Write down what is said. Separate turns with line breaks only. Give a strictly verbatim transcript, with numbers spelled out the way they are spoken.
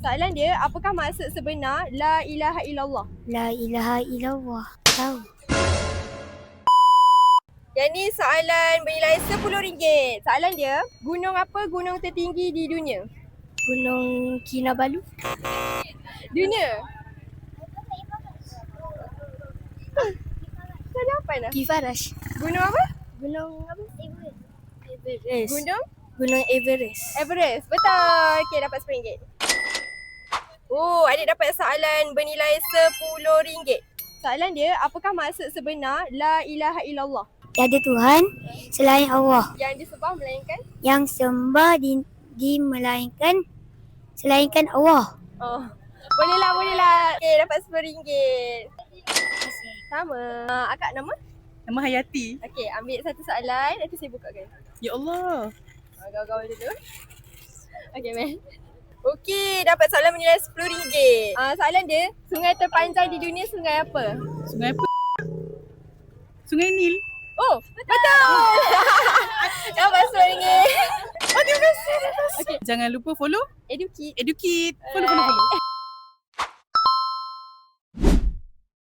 Soalan dia, apakah maksud sebenar La ilaha illallah?
La ilaha illallah. Tahu.
Yang ni soalan bernilai sepuluh ringgit. Soalan dia, gunung apa gunung tertinggi di dunia?
Gunung Kinabalu.
Dunia? Saya dah apa dah?
Kifarash.
Gunung apa?
Gunung apa? Everest.
Gunung
Gunung Everest.
Everest. Betul. Okey, dapat sepuluh ringgit. Oh, adik dapat soalan bernilai sepuluh ringgit. Soalan dia, apakah maksud sebenar La ilaha illallah?
Tiada Tuhan selain Allah.
Yang disembah melainkan?
Yang sembah di, di melainkan selainkan Allah.
Oh, boleh lah, boleh lah. Okey, dapat sepuluh ringgit.
Terima kasih.
Sama. Uh, akak nama?
Nama Hayati.
Okey, ambil satu soalan. Nanti saya bukakan.
Ya Allah.
Uh, Gaul-gaul dulu. Okey, man. Okey, dapat soalan bernilai sepuluh ringgit. Uh, soalan dia, sungai terpanjang di dunia sungai apa?
Sungai apa? Sungai Nil.
Oh, betul! Dapat sepuluh ringgit.
Oh, terima kasih.
Okey,
Jangan lupa follow
Edukit.
Educate. Follow, follow, follow.